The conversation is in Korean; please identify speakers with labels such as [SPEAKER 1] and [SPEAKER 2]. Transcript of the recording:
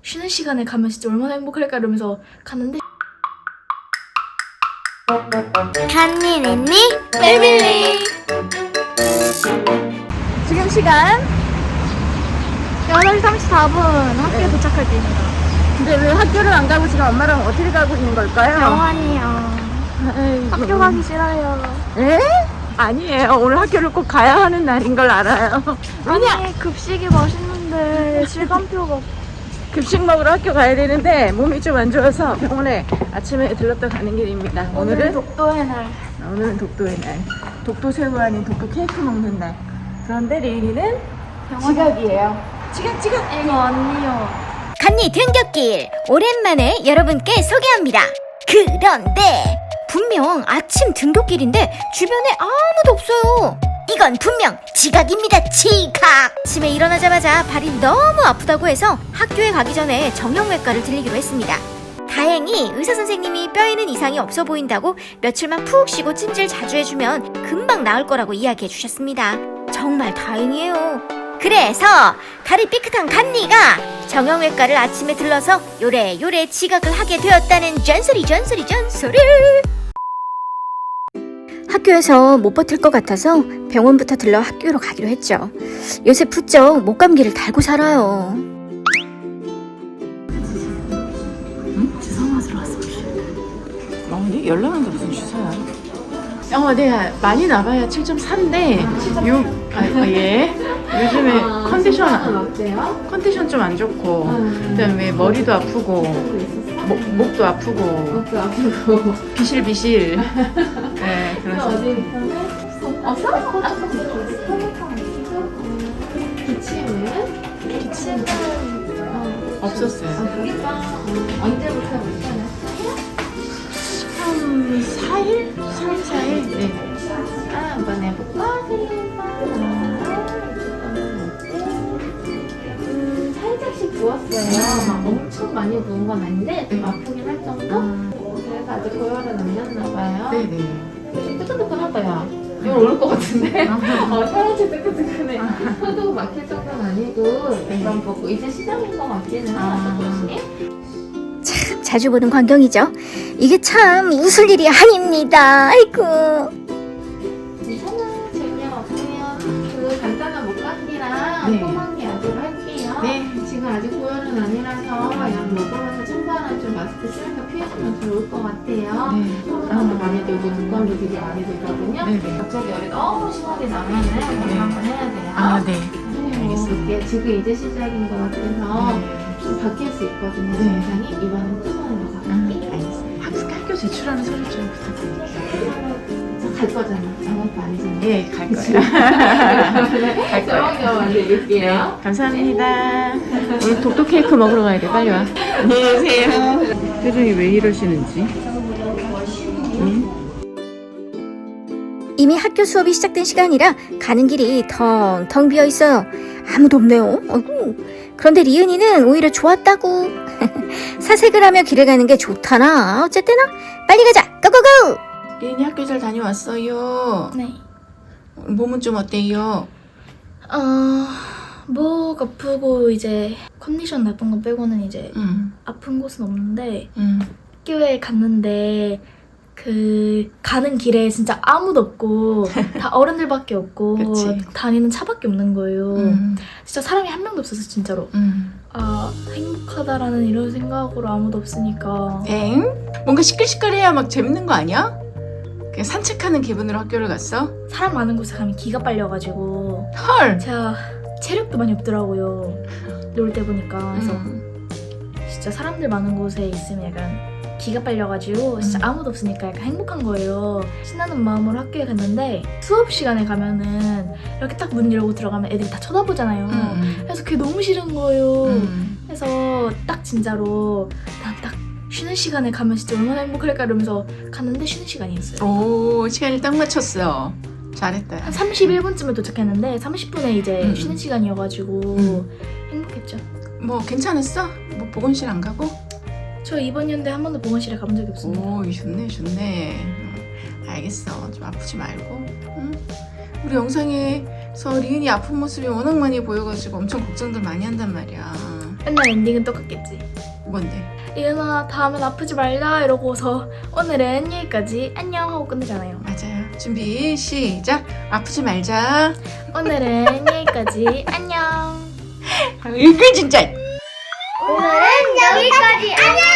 [SPEAKER 1] 쉬는 시간에 가면 진짜 얼마나 행복할까 이러면서 갔는데
[SPEAKER 2] 간니 냈니?
[SPEAKER 1] 패밀리! 지금 시간 8시 34분 학교에 도착할 때입니다.
[SPEAKER 3] 근데 왜 학교를 안 가고 지금 엄마랑 어디를 가고 있는 걸까요?
[SPEAKER 1] 병원이요. 학교 가기 싫어요.
[SPEAKER 3] 에? 아니에요. 오늘 학교를 꼭 가야 하는 날인 걸 알아요.
[SPEAKER 1] 아니 급식이 맛있는데 시간표가
[SPEAKER 3] 급식 먹으러 학교 가야 되는데 몸이 좀 안 좋아서 병원에 아침에 들렀다 가는 길입니다. 오늘은
[SPEAKER 1] 독도의 날.
[SPEAKER 3] 오늘은 독도의 날. 독도 새우 아닌 독도 케이크 먹는 날. 그런데 레인이는 지각이에요. 지각.
[SPEAKER 1] 이거 언니요.
[SPEAKER 2] 간니 등굣길 오랜만에 여러분께 소개합니다. 그런데 분명 아침 등굣길인데 주변에 아무도 없어요. 이건 분명 지각입니다. 지각. 아침에 일어나자마자 발이 너무 아프다고 해서 학교에 가기 전에 정형외과를 들리기로 했습니다. 다행히 의사선생님이 뼈에는 이상이 없어 보인다고 며칠만 푹 쉬고 찜질 자주 해주면 금방 나을 거라고 이야기해 주셨습니다. 정말 다행이에요. 그래서 다리 삐끗한 간니가 정형외과를 아침에 들러서 요래요래 지각을 하게 되었다는 전설이. 학교에서 못 버틸 것 같아서 병원부터 들러 학교로 가기로 했죠. 요새 부쩍 목감기를 달고 살아요.
[SPEAKER 1] 주사 맞으러 왔어.
[SPEAKER 3] 어디? 연락하는데 무슨 주사야? 내가 많이 나봐야 7.4인데 예. 요즘에 컨디션 좀 안 좋고 그다음에 머리도 아프고 목도 아프고 비실비실. 네, 그래서
[SPEAKER 1] 기침은
[SPEAKER 3] 없었어요.
[SPEAKER 1] 언제부터 괜찮아요?
[SPEAKER 3] 한 4일? 3일 4일? 네.
[SPEAKER 1] 한번 해볼까? 살짝씩 부었어요. 막 엄청 많이 부은 건 아닌데 좀 아프긴 할 정도? 그래서 아직 고열은 안 났나봐요.
[SPEAKER 3] 네네.
[SPEAKER 1] 좀 뜨끈뜨끈하다야. 이거 오를 것 같은데? 혈액이 뜨끈뜨끈해. 혀도 막힐 정도는 아니고 그런 거고 이제 시작인 것 같기는 해요. 조금씩.
[SPEAKER 2] 참 자주 보는 광경이죠. 이게 참 웃을 일이 아닙니다. 아이고.
[SPEAKER 1] 괜찮아요. 재미없어요. 그 간단한 목감기랑
[SPEAKER 3] 네.
[SPEAKER 1] 소망기 약으로 할게요.
[SPEAKER 3] 네.
[SPEAKER 1] 지금 아직 고열은 아니라서 약 먹으면서 찬바람 좀 마스크 쓰면서 피해주면 좋을 것 같아요.
[SPEAKER 3] 네.
[SPEAKER 1] 소망도 많이 들고 두꺼운도 되게 많이 들거든요.
[SPEAKER 3] 네네.
[SPEAKER 1] 갑자기 열이 너무 심하게 나면은 그거 한번 해야 돼요.
[SPEAKER 3] 네. 알겠습니다.
[SPEAKER 1] 이게 지금 이제 시작인 것 같아서 좀 바뀔 수 있거든요.
[SPEAKER 3] 네.
[SPEAKER 1] 증상이 이번엔 뜨거운 것 같아요.
[SPEAKER 3] 알겠습니다. 학교 제출하는 서류 좀 부탁드릴게요.
[SPEAKER 1] 갈 거잖아. 아무것도 아니잖아.
[SPEAKER 3] 예, 갈 거예요. 갈 거예요.
[SPEAKER 1] 저녁에 만들게요.
[SPEAKER 3] 감사합니다. 오늘 독도 케이크 먹으러 가야 돼. 빨리 와. 안녕하세요. 표정이 왜 이러시는지.
[SPEAKER 2] 이미 학교 수업이 시작된 시간이라 가는 길이 텅텅 비어 있어요. 아무도 없네요. 어이구. 그런데 리은이는 오히려 좋았다고. 사색을 하며 길을 가는 게 좋다나. 어쨌든 빨리 가자. 고고고.
[SPEAKER 3] 리은이 학교 잘 다녀왔어요.
[SPEAKER 1] 네.
[SPEAKER 3] 몸은 좀 어때요?
[SPEAKER 1] 목 아프고 이제 컨디션 나쁜 거 빼고는 이제 아픈 곳은 없는데 학교에 갔는데 그 가는 길에 진짜 아무도 없고 다 어른들밖에 없고
[SPEAKER 3] 그치.
[SPEAKER 1] 다니는 차밖에 없는 거예요. 진짜 사람이 한 명도 없어서 진짜로 행복하다라는 이런 생각으로 아무도 없으니까
[SPEAKER 3] 엥? 뭔가 시끌시끌해야 막 재밌는 거 아니야? 그냥 산책하는 기분으로 학교를 갔어?
[SPEAKER 1] 사람 많은 곳에 가면 기가 빨려가지고
[SPEAKER 3] 헐!
[SPEAKER 1] 제가 체력도 많이 없더라고요. 놀 때 보니까. 그래서 진짜 사람들 많은 곳에 있으면 약간 기가 빨려가지고 진짜 아무도 없으니까 약간 행복한 거예요. 신나는 마음으로 학교에 갔는데 수업 시간에 가면은 이렇게 딱 문 열고 들어가면 애들이 다 쳐다보잖아요. 그래서 그게 너무 싫은 거예요. 그래서 딱 진짜로 난 딱 쉬는 시간에 가면 진짜 얼마나 행복할까 이러면서 갔는데 쉬는 시간이었어요.
[SPEAKER 3] 오, 시간을 딱 맞췄어. 잘했다.
[SPEAKER 1] 한 31분쯤에 도착했는데 30분에 이제 쉬는 시간이어가지고 행복했죠.
[SPEAKER 3] 뭐 괜찮았어? 뭐 보건실 안 가고?
[SPEAKER 1] 저 이번 연대 한 번도 보건실에 가본 적이 없습니다.
[SPEAKER 3] 오, 좋네. 알겠어. 좀 아프지 말고. 응? 우리 영상에서 리은이 아픈 모습이 워낙 많이 보여가지고 엄청 걱정들 많이 한단 말이야.
[SPEAKER 1] 맨날 엔딩은 똑같겠지.
[SPEAKER 3] 뭔데?
[SPEAKER 1] 이은아 다음엔 아프지 말자 이러고서 오늘은 여기까지 안녕 하고 끝내잖아요.
[SPEAKER 3] 맞아요. 준비 시작. 아프지 말자.
[SPEAKER 1] 오늘은 여기까지 안녕.
[SPEAKER 3] 이거 진짜.
[SPEAKER 2] 오늘은 여기까지. 안녕!